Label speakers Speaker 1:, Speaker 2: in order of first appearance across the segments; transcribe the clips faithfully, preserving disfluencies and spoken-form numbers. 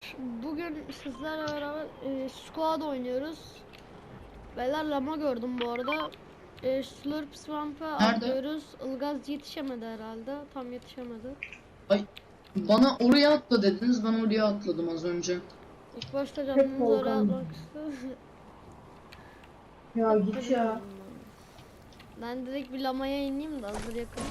Speaker 1: Bugün sizlerle beraber e, squad oynuyoruz. Beyler lama gördüm bu arada. E, Slurp Swamp'a atlıyoruz. Ilgaz yetişemedi herhalde. Tam yetişemedi.
Speaker 2: Ay, bana oraya atla dediniz, ben oraya atladım az önce.
Speaker 1: İlk başta canımız oraya atmak istedim.
Speaker 3: Ya git ya.
Speaker 1: Ben direkt bir lamaya ineyim de hazır yakın.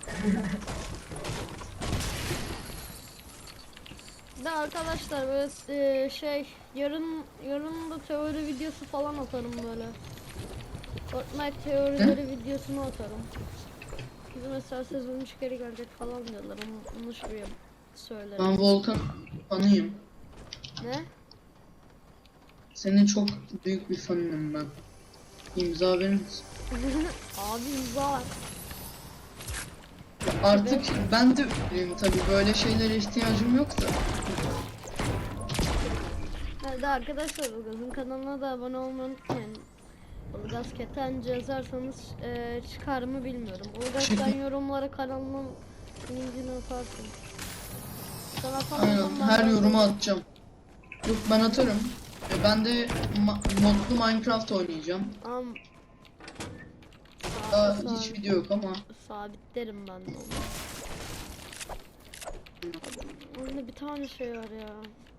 Speaker 1: De arkadaşlar böyle e, şey yarın yarın da teori videosu falan atarım böyle. Fortnite teorileri videosunu atarım. Biz mesela sezon üç geri gelecek falan diyorlar ama onu şuraya söylerim.
Speaker 2: Ben Volkan fanıyım.
Speaker 1: Ne?
Speaker 2: Senin çok büyük bir fanıyım ben. İmza verir misin?
Speaker 1: Abi imza var.
Speaker 2: Artık ben de üyeyim tabii, böyle şeylere ihtiyacım yok da.
Speaker 1: Hadi arkadaşlar Ilgaz'ın kanalına da abone olmayı unutmayın. Ilgaz Ketenci yazarsanız e, çıkar mı bilmiyorum. Ilgaz sen yorumlara kanalımın linkini atarsın. Sana
Speaker 2: Aynen, her yoruma atacağım. Yok, ben atarım. E, ben de ma modlu Minecraft oynayacağım.
Speaker 1: Am
Speaker 2: Daha
Speaker 1: sabit,
Speaker 2: hiç video yok ama.
Speaker 1: sabitlerim ben de onu. Orada bir tane şey var ya.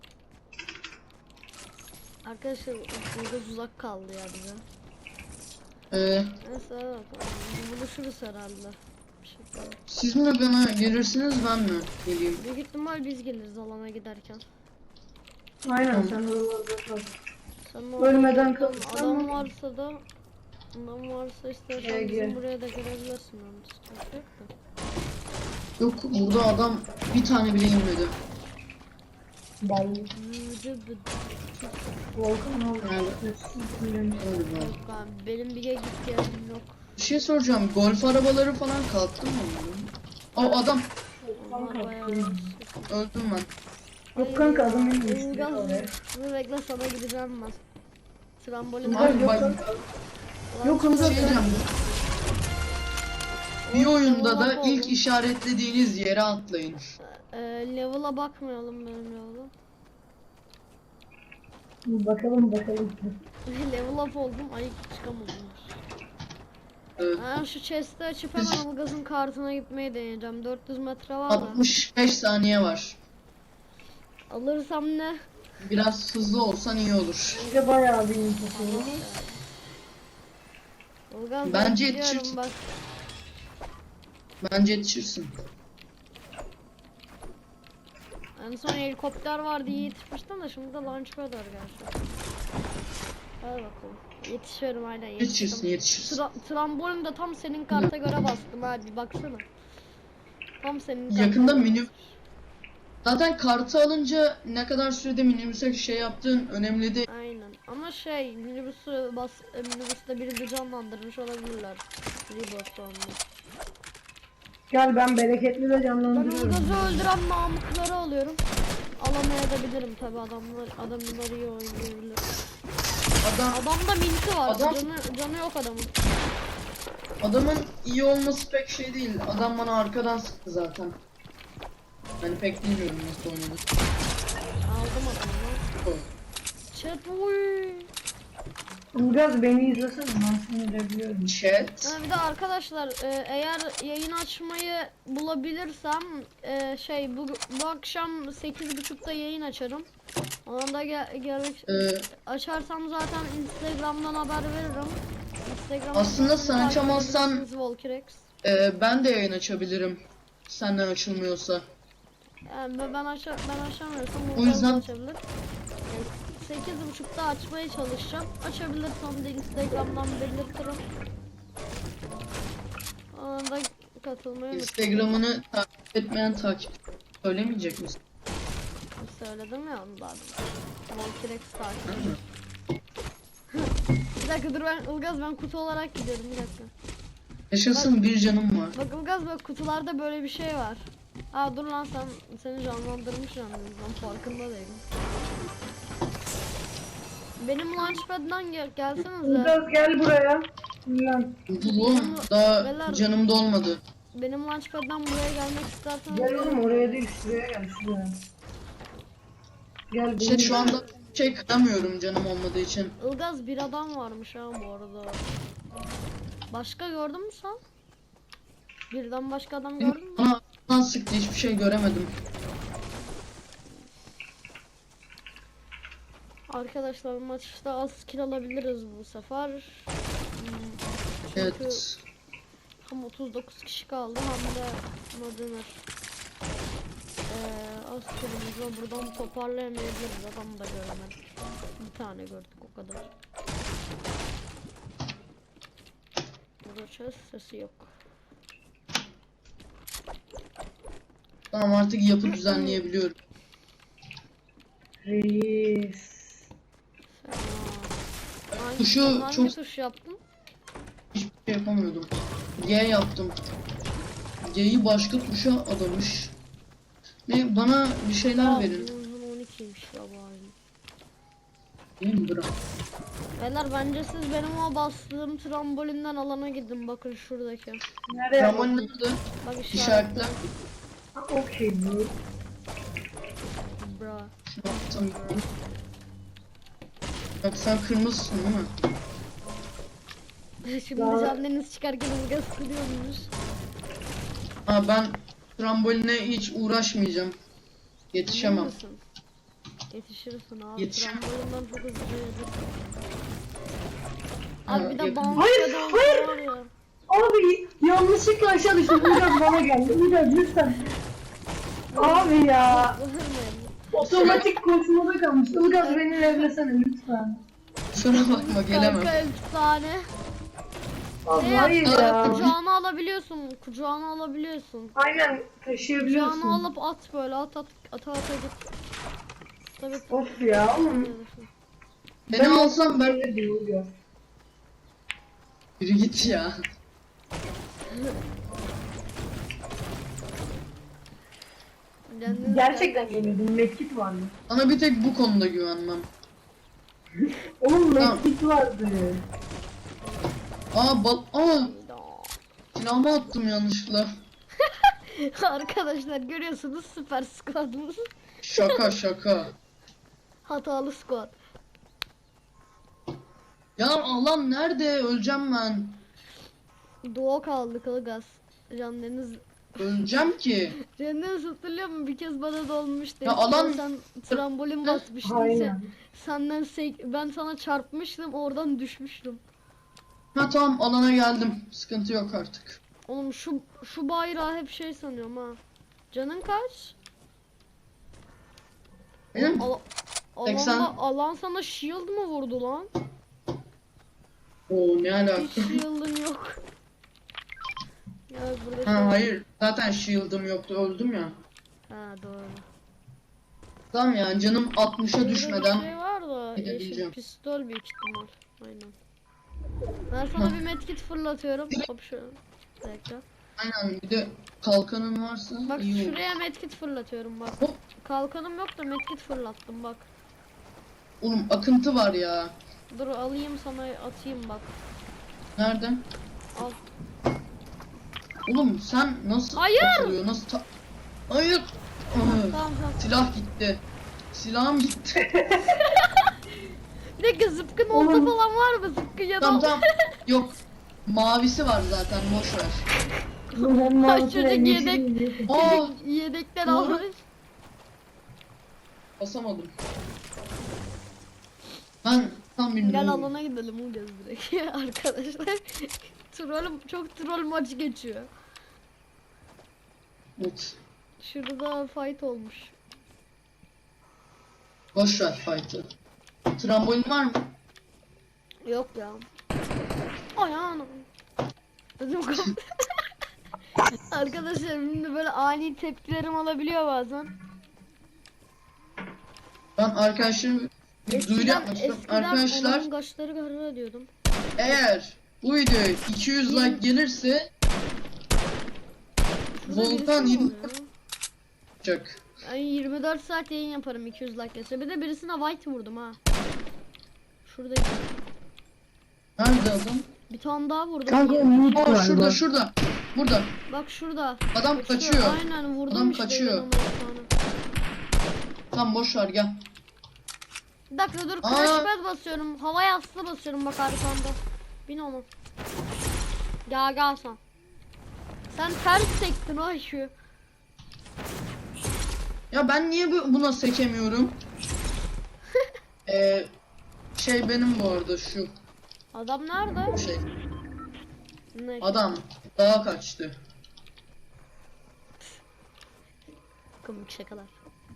Speaker 1: Arkadaşlar Ilgaz uzak kaldı ya bize.
Speaker 2: Ee,
Speaker 1: Neyse evet, buluşuruz herhalde. Bir şekilde.
Speaker 2: siz mi bana gelirsiniz, ben mi geleyim?
Speaker 1: Büyük ihtimal biz geliriz alana giderken.
Speaker 3: Aynen sen oralarda kal.
Speaker 1: Sen
Speaker 3: Ölmeden
Speaker 1: adam,
Speaker 3: kalırsan
Speaker 1: adam
Speaker 3: mı?
Speaker 1: varsa da adam varsa istersen
Speaker 3: Gel,
Speaker 1: bizim
Speaker 3: gel.
Speaker 1: buraya da gelebilirsin yani sıkıntı yok da.
Speaker 2: Yok, burada adam bir tane bile inmedi.
Speaker 3: Ben
Speaker 1: Vıdı vıdı.
Speaker 3: Volkan oldu.
Speaker 2: Evet. Galiba.
Speaker 1: Yok abi benim bir gittiğim yerim yok.
Speaker 2: Bir şey soracağım, golf arabaları falan kalktı mı onların? O adam,
Speaker 1: Onlar bayağı
Speaker 2: öldüm ben.
Speaker 3: Yok kanka adam en iyisi.
Speaker 1: Ilgaz dur bekle sana gideceğim ben. Trambolin
Speaker 3: Ilgaz yok
Speaker 2: bak-
Speaker 3: kanka.
Speaker 1: Ulan
Speaker 3: Yok
Speaker 2: Bir
Speaker 3: Ilgaz
Speaker 2: şey
Speaker 3: yok.
Speaker 2: diyeceğim. Bir
Speaker 1: o
Speaker 2: oyunda da
Speaker 1: level'a
Speaker 2: ilk
Speaker 1: oğlum.
Speaker 2: işaretlediğiniz yere atlayın.
Speaker 1: Ee, level'a bakmayalım benim level'a.
Speaker 3: Bakalım bakalım.
Speaker 1: Level up oldum ay çıkamadım.
Speaker 2: Evet.
Speaker 1: Ben şu chest'i açıp hemen Ilgaz'ın kartına gitmeyi deneyeceğim. dört yüz metre var da.
Speaker 2: altmış beş saniye var.
Speaker 1: Alırsam ne?
Speaker 2: Biraz hızlı olsan iyi olur.
Speaker 3: Bence bayağı bir info.
Speaker 1: Ilgaz
Speaker 2: Bence
Speaker 1: ben gidiyorum
Speaker 2: yetişirsin.
Speaker 1: bak.
Speaker 2: Bence yetişirsin.
Speaker 1: En son helikopter vardı iyi yetişmiştim de şimdi de launchpad var gerçi. Hadi bakalım. Yetişiyorum aynen
Speaker 2: Yetişirsin,
Speaker 1: yetiştim.
Speaker 2: yetişirsin.
Speaker 1: Tra trambolin de tam senin karta göre bastım abi bir baksana. Tam senin karta
Speaker 2: Yakında
Speaker 1: göre
Speaker 2: minib...
Speaker 1: bastım.
Speaker 2: Zaten kartı alınca ne kadar sürede minibüse şey yaptığın önemli değil.
Speaker 1: Aynen ama şey minibüsü bas e, minibüste biri de canlandırmış olabilirler. Reboot sonunda.
Speaker 3: Gel ben bereketli de
Speaker 1: Ben
Speaker 3: canlandırıyorum.
Speaker 1: Ilgaz'ı öldüren namıkları alıyorum. Alamayabilirim tabi adamlar adamlar iyi oynayabilir.
Speaker 2: Adam,
Speaker 1: Adamda minti var.
Speaker 2: Adam-
Speaker 1: Canı, canı yok adamın.
Speaker 2: adamın iyi olması pek şey değil. Adam bana arkadan sıktı zaten. Yani pek bilmiyorum nasıl oynadı.
Speaker 1: Aldım adamı. Chat uy.
Speaker 3: Ilgaz beni izlesene ben seni de biliyorum.
Speaker 2: Chat.
Speaker 1: Ha, bir de arkadaşlar e, eğer yayın açmayı bulabilirsem e, şey bu, bu akşam sekiz buçukta yayın açarım. Onda gel gelmek
Speaker 2: Ee,
Speaker 1: açarsam zaten Instagram'dan haber veririm. Instagram'dan
Speaker 2: Aslında sen
Speaker 1: takip
Speaker 2: açamazsan-
Speaker 1: edebilirsiniz Volkirex.
Speaker 2: e, ben de yayın açabilirim. Senden açılmıyorsa.
Speaker 1: Yani ben ben, aça, ben açamıyorsam
Speaker 2: O
Speaker 1: Volkan
Speaker 2: yüzden-
Speaker 1: açabilir. Yani sekiz buçukta açmaya çalışacağım. Açabilirsem de Instagram'dan belirtirim. Onda katılmayı unutmayın.
Speaker 2: Instagram'ını takip etmeyen takip söylemeyecek misin?
Speaker 1: Söyledim ya onu daha. Volkirex takip edin. Bir dakika dur ben Ilgaz ben kutu olarak gidiyorum bir dakika.
Speaker 2: Yaşasın, bir canım var.
Speaker 1: Bak Ilgaz bak kutularda böyle bir şey var. Aa dur lan sen seni canlandırmış yalnız ben farkında değilim. Benim launchpad'dan gel gelsenize.
Speaker 3: Ilgaz gel buraya. Lan.
Speaker 2: Oğlum daha
Speaker 1: Beyler-
Speaker 2: canım dolmadı.
Speaker 1: Benim launchpad'dan buraya gelmek isterseniz
Speaker 3: Gel oğlum oraya değil şuraya gel şuraya. Gel
Speaker 2: İşte
Speaker 3: beni
Speaker 2: şu anda şey kıramıyorum canım olmadığı için.
Speaker 1: Ilgaz bir adam varmış ha bu arada. Başka gördün mü sen? Birden başka adam gördün mü?
Speaker 2: Bana bana sıktı, hiçbir şey göremedim.
Speaker 1: Arkadaşlar maçta az kill alabiliriz bu sefer. Hmm, Çünkü
Speaker 2: Evet.
Speaker 1: hem otuz dokuz kişi kaldı hem de ne denir? Ee, az killimiz var. Buradan toparlayamayabiliriz. Adam da görmedik. Bir tane gördük o kadar. Burada chest sesi yok.
Speaker 2: Tamam, artık yapı düzenleyebiliyorum.
Speaker 3: Reis.
Speaker 1: Fena. Hangi,
Speaker 2: Tuşu
Speaker 1: hangi
Speaker 2: çok-
Speaker 1: tuş yaptın?
Speaker 2: Hiçbir şey yapamıyordum. G yaptım. G'yi başka tuşa adamış. Ne, bana bir şeyler
Speaker 1: Aa,
Speaker 2: verin.
Speaker 1: uzun on ikiymiş ya bu aynı.
Speaker 2: Değil mi bırak?
Speaker 1: Beyler bence siz benim o bastığım trambolinden alana gidin, bakın şuradaki.
Speaker 3: Nereye
Speaker 2: Ramon
Speaker 3: bakıyorsun?
Speaker 2: nerede?
Speaker 1: Bak
Speaker 2: İşaretle.
Speaker 1: işaretle.
Speaker 3: Ha, okey bu.
Speaker 1: Bra.
Speaker 2: Şunu atsam. Bak sen kırmızısın değil mi?
Speaker 1: Şimdi
Speaker 3: Ya-
Speaker 1: Can Deniz çıkarken ılgaz kılıyormuş.
Speaker 2: Ha, ben tramboline hiç uğraşmayacağım. Yetişemem.
Speaker 1: Emin misin? Yetişirsin abi.
Speaker 2: Yetişemem.
Speaker 1: Trambolinden çok hızlı yürüdük.
Speaker 2: Ha,
Speaker 1: Abi bir de
Speaker 2: yakın.
Speaker 1: bambuka
Speaker 3: Hayır,
Speaker 1: da
Speaker 3: hayır.
Speaker 1: var ya.
Speaker 3: Abi yanlışlıkla aşağı düştüm. Ilgaz bana geldi. Ilgaz lütfen. Abi ya.
Speaker 1: Bağırmayın.
Speaker 3: Otomatik koşmada kalmış. Ilgaz beni evlesene lütfen.
Speaker 2: Kusura bakma, gelemem.
Speaker 1: Kanka efsane.
Speaker 3: Abi
Speaker 1: Ne
Speaker 3: hayır
Speaker 1: yap-
Speaker 3: ya.
Speaker 1: Kucağına alabiliyorsun. Kucağına alabiliyorsun.
Speaker 3: Aynen taşıyabiliyorsun.
Speaker 1: Kucağına alıp at böyle, at at ata ata git. Tabii.
Speaker 3: Of ya oğlum.
Speaker 2: Beni alsam ben...
Speaker 3: Öyle diyor Ilgaz.
Speaker 2: Yürü git ya.
Speaker 1: Kendiniz
Speaker 3: Gerçekten geliyordum. Medkit vardı.
Speaker 2: Sana bir tek bu konuda güvenmem.
Speaker 3: Oğlum
Speaker 2: Tamam.
Speaker 3: medkit vardı.
Speaker 2: Aa bal... Aa!
Speaker 1: gel-
Speaker 2: Silahımı attım yanlışlıkla.
Speaker 1: Arkadaşlar görüyorsunuz, süper squadımız.
Speaker 2: Şaka şaka.
Speaker 1: Hatalı squad.
Speaker 2: Ya alan nerede? Öleceğim ben.
Speaker 1: Doğu kaldı Ilgaz. Can Deniz.
Speaker 2: Öleceğim ki.
Speaker 1: Can Deniz hatırlıyor musun? Bir kez bana da olmuştu.
Speaker 2: Ya alan-
Speaker 1: Sen trambolin basmıştın. Sen,
Speaker 3: Aynen.
Speaker 1: senden sek- ben sana çarpmıştım, oradan düşmüştüm.
Speaker 2: Ha tamam, alana geldim. Sıkıntı yok artık.
Speaker 1: Oğlum şu şu bayrağı hep şey sanıyorum ha. Canın kaç?
Speaker 2: Benim
Speaker 1: Al
Speaker 2: seksen.
Speaker 1: alanda, alan sana shield mı vurdu lan?
Speaker 2: Oo, ne alaka?
Speaker 1: Hiç shield'ın yok. Ya burada şey-
Speaker 2: Ha hayır. Zaten shield'ım yoktu. Öldüm ya.
Speaker 1: Ha doğru.
Speaker 2: Tamam yani canım altmışa
Speaker 1: Burada
Speaker 2: düşmeden.
Speaker 1: bir şey var da yeşil
Speaker 2: gidebileceğim.
Speaker 1: pistol büyük ihtimal. Aynen. Ben sana bir medkit fırlatıyorum. Hop şu. Bir dakika.
Speaker 2: Aynen, bir de kalkanın varsa
Speaker 1: Bak
Speaker 2: iyi olur.
Speaker 1: şuraya medkit fırlatıyorum bak.
Speaker 2: Hop.
Speaker 1: Kalkanım yok da medkit fırlattım bak.
Speaker 2: Oğlum akıntı var ya.
Speaker 1: Dur alayım sana atayım bak.
Speaker 2: Nerede?
Speaker 1: Al.
Speaker 2: Oğlum sen nasıl
Speaker 1: Hayır!
Speaker 2: atılıyor? Nasıl ta- Hayır. Aa,
Speaker 1: Tamam tamam.
Speaker 2: silah gitti. Silahım gitti.
Speaker 1: Bir dakika zıpkın olta
Speaker 3: Oğlum.
Speaker 1: falan var mı? Zıpkın ya da
Speaker 2: tamam tamam. Yok. Mavisi var zaten, boş ver.
Speaker 3: Ben
Speaker 1: Kaç
Speaker 3: mouse'u
Speaker 1: çocuk
Speaker 3: en
Speaker 1: yedek-
Speaker 3: yeşil-
Speaker 2: Aa,
Speaker 1: Yedek, yedekten
Speaker 2: Doğru.
Speaker 1: almış.
Speaker 2: basamadım. Ben tam bilmiyorum.
Speaker 1: Gel alana gidelim o göz direkt. Arkadaşlar. Troll, çok troll maç geçiyor.
Speaker 2: Evet.
Speaker 1: Şurada fight olmuş.
Speaker 2: Boş ver fight'ı. Trambolin var mı?
Speaker 1: Yok ya. Ayağım. Ödüm koptu. Arkadaşlar şimdi böyle ani tepkilerim olabiliyor bazen.
Speaker 2: Ben arkadaşlarım bir duyuru yapmak istiyorum. Arkadaşlar
Speaker 1: Arkadaşlar kaşları karara diyordum.
Speaker 2: eğer bu videoya iki yüz like gelirse
Speaker 1: Şurada
Speaker 2: Volkan
Speaker 1: birisi mi
Speaker 2: yirmi
Speaker 1: oluyor?
Speaker 2: olacak.
Speaker 1: Ben yirmi dört saat yayın yaparım iki yüz like gelse. Bir de birisine white vurdum ha. Şurada
Speaker 2: Nerede adam?
Speaker 1: bir tane daha vurdum.
Speaker 3: Kanka umut
Speaker 2: Aa
Speaker 3: var.
Speaker 2: şurada
Speaker 3: bak.
Speaker 2: şurada. Burada.
Speaker 1: Bak şurada.
Speaker 2: Adam kaçıyor.
Speaker 1: Aynen vurdum
Speaker 2: Adam
Speaker 1: işte
Speaker 2: kaçıyor.
Speaker 1: ben ona bir tane.
Speaker 2: Tamam boş ver gel.
Speaker 1: Bir dakika dur,
Speaker 2: Aa.
Speaker 1: crash pad basıyorum. Hava yastığı basıyorum bak arkamda. Bin onu. Gel gel sen. Sen ters sektin o şu.
Speaker 2: Ya ben niye bu- buna sekemiyorum? Ee, şey benim bu arada şu
Speaker 1: Adam nerede?
Speaker 2: şey.
Speaker 1: Ne?
Speaker 2: Adam dağa kaçtı.
Speaker 1: Komik şakalar.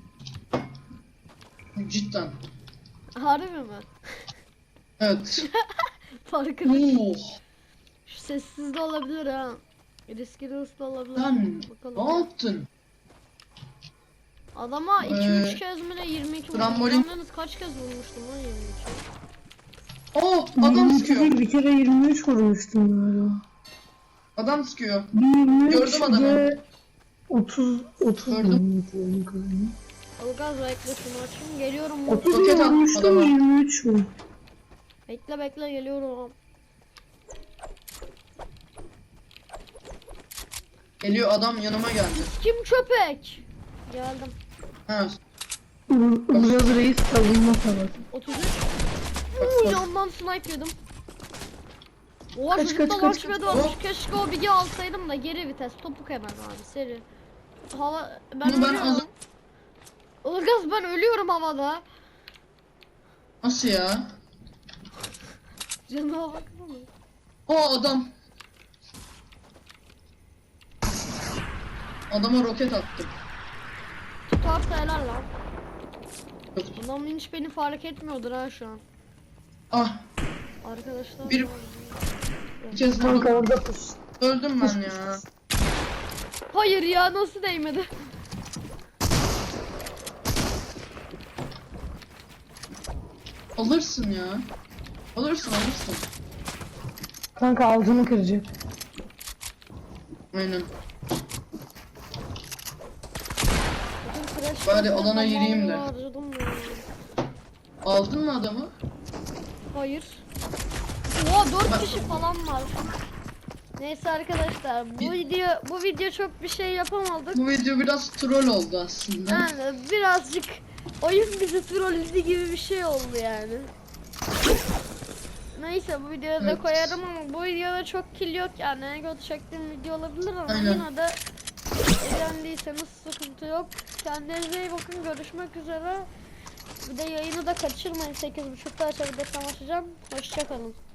Speaker 2: Cidden.
Speaker 1: Harbi mi?
Speaker 2: Evet.
Speaker 1: Farkında.
Speaker 2: Oh.
Speaker 1: Şu sessiz de olabilir ha. Riskli hırslı olabilir.
Speaker 2: Sen
Speaker 1: Bakalım.
Speaker 2: ne yaptın?
Speaker 1: Adama iki
Speaker 2: Ee,
Speaker 1: üç kez mi ne yirmi iki
Speaker 2: trambolin-
Speaker 1: vurmuştum. Yalnız kaç kez vurmuştum lan yirmi iki?
Speaker 2: Oh, adam
Speaker 3: yirmi iki
Speaker 2: sıkıyor.
Speaker 3: değil, bir kere yirmi üç vurmuştum galiba.
Speaker 2: Adam sıkıyor.
Speaker 3: Bir yirmi üç
Speaker 2: Gördüm adamı.
Speaker 3: de otuz otuz
Speaker 2: Gördüm.
Speaker 3: vurmuştum galiba.
Speaker 1: Ilgaz bekle şunu açayım. Geliyorum.
Speaker 3: otuz
Speaker 2: Roket attı
Speaker 3: vurmuştum,
Speaker 2: adama.
Speaker 3: yirmi üç mü?
Speaker 1: Bekle bekle geliyorum.
Speaker 2: Geliyor adam yanıma geldi.
Speaker 1: Kim köpek? Geldim.
Speaker 2: Ha.
Speaker 3: Biraz reis savunma savaşı.
Speaker 1: otuz üç.
Speaker 2: Bak,
Speaker 1: Uuu
Speaker 2: bak.
Speaker 1: yandan snipe yedim. Oha
Speaker 3: Kaç,
Speaker 1: çocukta
Speaker 3: kaç, kaç,
Speaker 1: launchpad
Speaker 3: kaç.
Speaker 1: varmış.
Speaker 2: Hop.
Speaker 1: Keşke o bilgi alsaydım da geri vites. Topuk hemen abi seri. Hava ben
Speaker 2: Bunu ben
Speaker 1: ölüyorum.
Speaker 2: az-
Speaker 1: Ilgaz ben ölüyorum havada.
Speaker 2: Nasıl ya?
Speaker 1: Canıma baksana.
Speaker 2: O adam. Adama roket attım.
Speaker 1: Tutarsa helal lan.
Speaker 2: Yok.
Speaker 1: Adam hiç beni fark etmiyordur ha şu an.
Speaker 2: Ah,
Speaker 1: Arkadaşlar.
Speaker 2: Bir- bir kez
Speaker 3: Kanka
Speaker 2: vurdum.
Speaker 3: orada pus.
Speaker 2: Öldüm ben ya.
Speaker 1: Hayır ya nasıl değmedi?
Speaker 2: Alırsın ya. Alırsın alırsın.
Speaker 3: Kanka altını kıracak.
Speaker 2: Aynen.
Speaker 1: Bütün crash
Speaker 2: Bari
Speaker 1: pad'leri
Speaker 2: alana gireyim de.
Speaker 1: harcadım ya.
Speaker 2: Aldın mı adamı?
Speaker 1: Hayır. Oha dört kişi falan var. Neyse arkadaşlar bu
Speaker 2: Bir-
Speaker 1: video bu video çok bir şey yapamadık.
Speaker 2: Bu video biraz troll oldu aslında.
Speaker 1: Yani birazcık oyun bizi trolledi gibi bir şey oldu yani. Neyse bu videoyu da
Speaker 2: Evet.
Speaker 1: koyarım ama bu videoda çok kill yok yani. En kötü çektiğim video olabilir ama
Speaker 2: Aynen.
Speaker 1: yine de eğlendiyseniz sıkıntı yok. Kendinize iyi bakın, görüşmek üzere. Bir de yayını da kaçırmayın, sekiz buçukta açabilirsem açacağım. Hoşçakalın.